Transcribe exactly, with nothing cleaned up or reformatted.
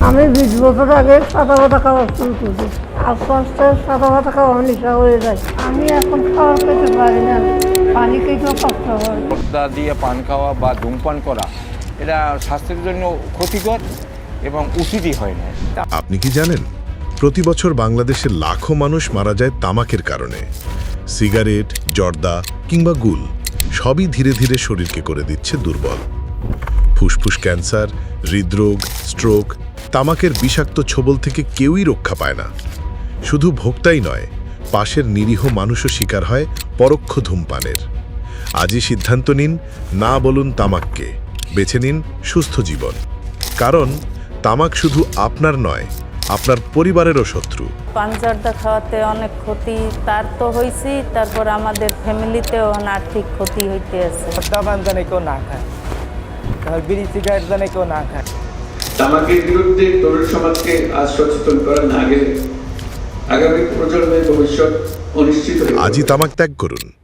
আমি বিশ বছর আগে সাদা ভাতা খাওয়া শুরু করছি, আস্তে আস্তে সাদা ভাতা খাওয়া নেশা হয়ে যায়। আমি এখন খাওয়া খেতে পারি না, পানি খেতেও কষ্ট হয়। পর্দা দিয়ে পান খাওয়া বা ধূমপান করা এটা স্বাস্থ্যের জন্য ক্ষতিকর এবং উচিতই হয় না। আপনি কি জানেন প্রতি বছর বাংলাদেশে লাখো মানুষ মারা যায় তামাকের কারণে? সিগারেট, জর্দা কিংবা গুল সবই ধীরে ধীরে শরীরকে করে দিচ্ছে দুর্বল। ফুসফুস ক্যান্সার, হৃদরোগ, স্ট্রোক, তামাকের বিষাক্ত ছোবল থেকে কেউই রক্ষা পায় না। শুধু ভোক্তাই নয়, পাশের নিরীহ মানুষও শিকার হয় পরোক্ষ ধূমপানের। আজই সিদ্ধান্ত নিন, না বলুন তামাককে, বেছে নিন সুস্থ জীবন। কারণ তামাক শুধু আপনার নয়, আপনার পরিবারেরও শত্রু। পান জর্দা খাওয়াতে অনেক ক্ষতি তার তো হয়েছি, তারপর আমাদের ফ্যামিলিতেও আর্থিক ক্ষতি হইতে আছে। পান জানে কেউ না খায়, তাহলে বিড়ি সিগারেট জানে কেউ না খায়। তামাকের বিরুদ্ধে তরুণ সমাজকে আজ সচেতন করা না গেলে আগামী প্রজন্মের ভবিষ্যৎ অনিশ্চিত। আজই তামাক ত্যাগ করুন।